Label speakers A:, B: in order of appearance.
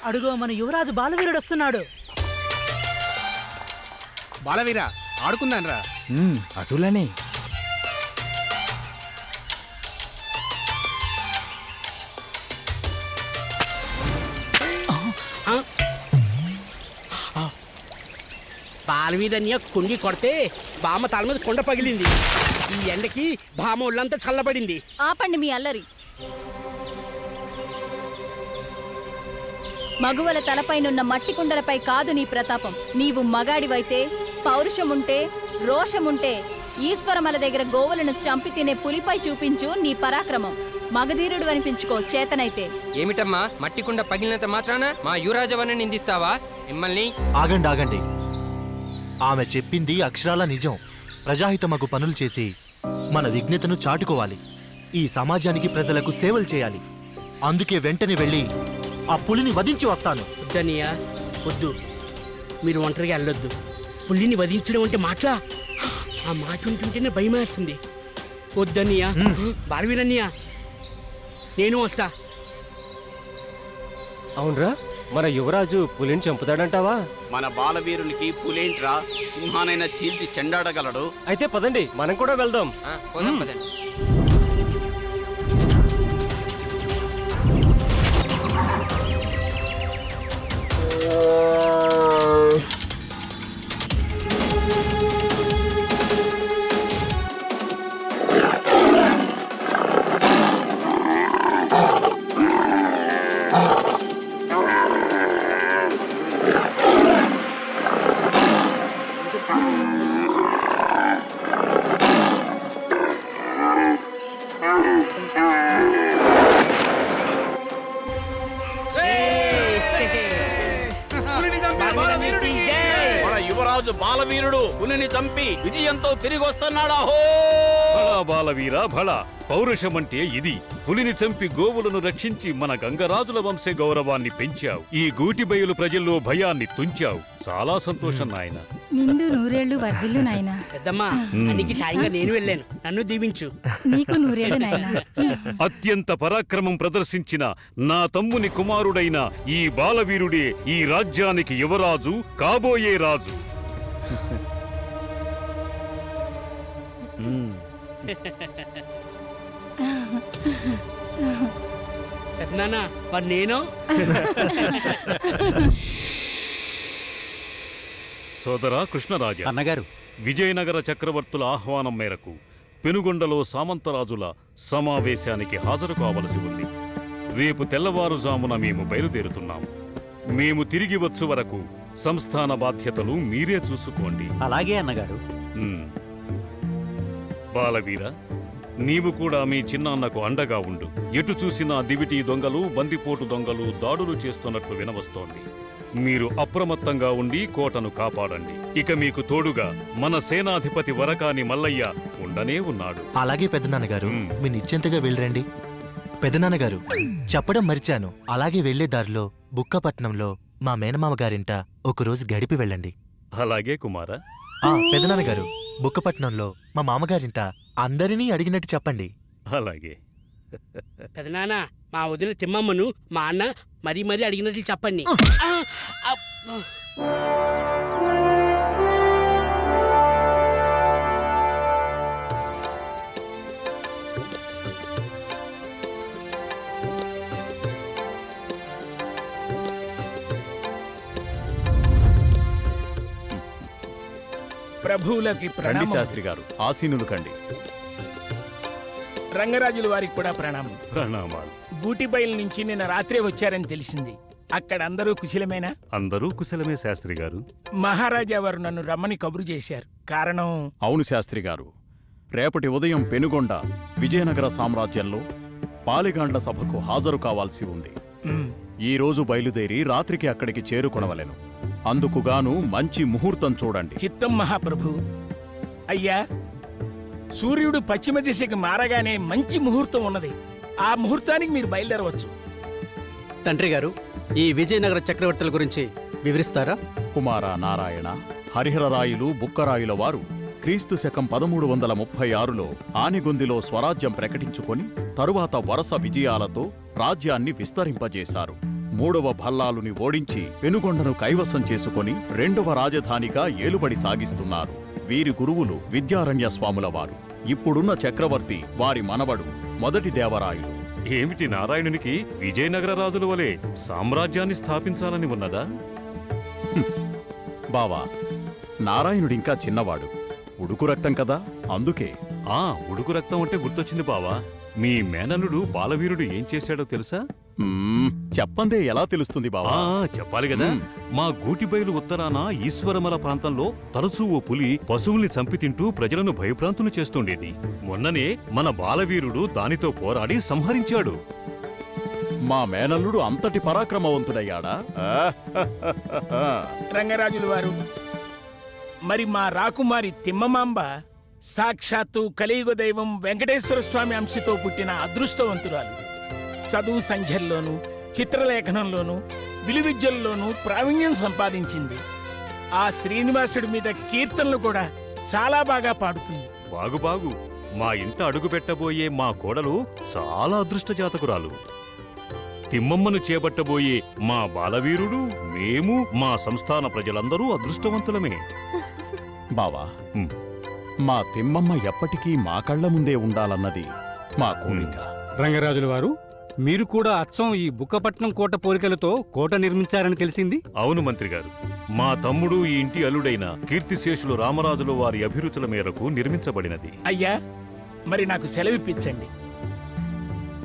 A: అడుగో మన యువరాజు బాలవీరుడు వస్తున్నాడు.
B: బాలవీర ఆడుకుందాన్రా.
C: అటులనే
D: బాలవీరన్య కుండి కొడితే బామ్మ తల మీద కొండ పగిలింది. ఈ ఎండకి బామ్మ ఒళ్ళంతా చల్లబడింది.
E: ఆపండి మీ అల్లరి. మగువల తలపైనున్న మట్టి కుండలపై కాదు నీ ప్రతాపం. నీవు మగాడివైతే, పౌరుషముంటే, రోషముంటే ఈశ్వరమల దగ్గర గోవులను చంపి తినే పులిపై చూపించు నీ పరాక్రమం. మగధీరుడు అనిపించుకో చేతనైతే.
F: ఏమిటమ్మా, మట్టి కుండ పగిలినంత మాత్రాన మా యువరాజవని నిందిస్తావా? మిమ్మల్ని
G: ఆగండి ఆగండి. ఆమె చెప్పింది అక్షరాల నిజం. ప్రజాహితమగు పనులు చేసి మన విజ్ఞతను చాటుకోవాలి. ఈ సమాజానికి ప్రజలకు సేవలు చేయాలి. అందుకే వెంటనే వెళ్ళి ఆ పులిని వధించి వస్తాను.
D: వద్దనియా, వద్దు. మీరు ఒంటరిగా వెళ్ళొద్దు. పులిని వధించడం అంటే మాట్లా, ఆ మాట ఉంటుంటేనే భయమేస్తుంది. వద్దనియా. బాలవీరన్యా, నేను వస్తా.
H: అవునరా, మన యువరాజు పులిని చంపుతాడంటావా?
B: మన బాలవీరునికి పులేంట్రా, సింహానైనా చీల్చి చెండాడగలడు.
H: అయితే పదండి, మనం కూడా వెళ్దాం.
F: పోదాం పదండి.
B: మన యువరాజు బాలవీరుడు పులిని చంపి విజయంతో తిరిగి వస్తున్నాడా? హో
I: బాలవీర భళ, పౌరుషమంటే ఇది. పులిని చంపి గోవులను రక్షించి మన గంగరాజుల వంశ గౌరవాన్ని పెంచావు. ఈ గూటిబయలు ప్రజల్లో భయాన్ని తుంచావు. చాలా సంతోషం నాయన.
E: నిండు నూరేళ్లు వర్ధిల్లు నాయనా.
D: పెద్దమ్మా, అన్నికి సాయంగా నేను వెళ్ళాను. నన్ను దీవించు.
E: నీకు నూరేళ్లు నాయనా.
I: అత్యంత పరాక్రమం ప్రదర్శించిన నా తమ్ముని కుమారుడైన ఈ బాలవీరుడే ఈ రాజ్యానికి యువరాజు, కాబోయే రాజు.
D: పెద్దనాన్న, మరి నేను?
I: సోదరా కృష్ణరాజా
C: అన్నగారు,
I: విజయనగర చక్రవర్తుల ఆహ్వానం మేరకు పెనుగొండలో సామంతరాజుల సమావేశానికి హాజరు కావలసి ఉంది. రేపు తెల్లవారుజామున మేము బయలుదేరుతున్నాము. మేము తిరిగి వచ్చు వరకు సంస్థాన బాధ్యతలు మీరే చూసుకోండి.
C: అలాగే అన్నగారు.
I: బాలవీర, నీవు కూడా మీ చిన్నాన్నకు అండగా ఉండు. ఎటు చూసినా దివిటీ దొంగలు, బందిపోటు దొంగలు దాడులు చేస్తున్నట్లు వినవస్తోంది. మీరు అప్రమత్తంగా ఉండి కోటను కాపాడండి. ఇక మీకు తోడుగా మన సేనాధిపతి వరకాని మల్లయ్య ఉండనే ఉన్నాడు.
G: అలాగే పెద్దనాన్నగారు, మీ నిశ్చింతగా వెళ్ళరండి. పెద్దనాన్నగారు, చెప్పడం మరిచాను. అలాగే వెళ్లే దారిలో బుక్కపట్నంలో మా మేనమామ గారింట ఒకరోజు గడిపి వెళ్ళండి.
I: అలాగే కుమార.
G: పెద్దనాన్నగారు, బుక్కపట్నంలో మా మామగారింట అందరినీ అడిగినట్టు చెప్పండి.
I: అలాగే.
D: పెదనాన్న, మా వదిన తిమ్మమ్మను మా అన్న మరీ మరీ అడిగినట్లు చెప్పండి.
J: ప్రభువులకి
I: రండి శాస్త్రి గారు, ఆసీనులు కండి.
J: రంగరాజుల వారికి కూడా ప్రణామం.
I: ప్రణామాలు.
J: గూటిబయలు నుంచి నిన్న రాత్రే వచ్చారని తెలిసింది. అక్కడ అందరూ కుశలమేనా?
I: అందరూ కుశలమే శాస్త్రి గారు.
J: మహారాజా వారు నన్ను రమ్మని కబురు చేశారు. కారణం?
K: అవును శాస్త్రి గారు, రేపటి ఉదయం పెనుగొండ విజయనగర సామ్రాజ్యంలో పాలిగాండ్ల సభకు హాజరు కావాల్సి ఉంది. ఈ రోజు బయలుదేరి రాత్రికి అక్కడికి చేరుకొనవలెను. అందుకుగాను మంచి ముహూర్తం చూడండి.
J: చిత్తం మహాప్రభు. అయ్యా, సూర్యుడు పశ్చిమ దిశకి మారగానే మంచి ముహూర్తం ఉన్నది. ఆ ముహూర్తానికి మీరు బయలుదేరవచ్చు.
B: తండ్రి గారు, ఈ విజయనగర చక్రవర్తుల గురించి వివరిస్తారా?
K: కుమార నారాయణ, హరిహరరాయులు బుక్కరాయుల వారు క్రీస్తు శకం 1336లో ఆనిగొందిలో స్వరాజ్యం ప్రకటించుకొని తరువాత వరుస విజయాలతో రాజ్యాన్ని విస్తరింపజేశారు. మూడవ భల్లాలుని ఓడించి పెనుగొండను కైవసం చేసుకొని రెండవ రాజధానిగా ఏలుబడి సాగిస్తున్నారు. వీరి గురువులు విద్యారణ్య స్వాముల వారు. ఇప్పుడున్న చక్రవర్తి వారి మనవడు మొదటి దేవరాయలు.
I: ఏమిటి నారాయణునికి విజయనగర రాజుల వలె సామ్రాజ్యాన్ని స్థాపించాలని ఉన్నదా?
K: బావా, నారాయణుడింకా చిన్నవాడు, ఉడుకు రక్తం కదా, అందుకే.
I: ఉడుకు రక్తం అంటే గుర్తొచ్చింది బావా. మీ మేనల్లుడు బాలవీరుడు ఏం చేశాడో తెలుసా?
K: చెప్పందే ఎలా తెలుస్తుంది బావా?
I: చెప్పాలి కదా. మా గూటిబయలు ఉత్తరాన ఈశ్వరమల ప్రాంతంలో తరచూ ఓ పులి పశువుల్ని చంపి తింటూ ప్రజలను భయభ్రాంతులు చేస్తుండేది. మొన్ననే మన బాలవీరుడు దానితో పోరాడి సంహరించాడు.
K: మా మేనల్లుడు అంతటి పరాక్రమవంతుడయ్యాడా?
J: రంగరాజుల వారు, మరి మా రాకుమారి తిమ్మమాంబ సాక్షాత్తు కలియుగ దైవం వెంకటేశ్వర స్వామి అంశతో పుట్టిన అదృష్టవంతురాలు. చదువు సంఖ్యల్లోనూ చిత్రలేఖనంలోనూ విలువిద్యల్లోనూ ప్రావీణ్యం సంపాదించింది. ఆ శ్రీనివాసుడి మీద కీర్తనలు కూడా చాలా బాగా పాడుతుంది.
I: బాగు మా ఇంట అడుగు పెట్టబోయే మా కోడలు చాలా అదృష్ట జాతకురాలు. తిమ్మమ్మను చేపట్టబోయే మా బాలవీరుడు, మేము, మా సంస్థాన ప్రజలందరూ అదృష్టవంతులమే.
K: బావా, మా తిమ్మమ్మ ఎప్పటికీ మా కళ్ళ ముందే ఉండాలన్నది మా కోరిక.
L: రంగరాజుల వారు, మీరు కూడా అచ్చం ఈ బుక్కపట్నం కోట పోలికలతో కోట నిర్మించారని తెలిసింది.
I: అవును మంత్రి గారు, మా తమ్ముడు ఈ ఇంటి అల్లుడైన కీర్తిశేషులు రామరాజుల వారి అభిరుచుల మేరకు నిర్మించబడినది.
J: అయ్యా, మరి నాకు సెలవిప్పించండి.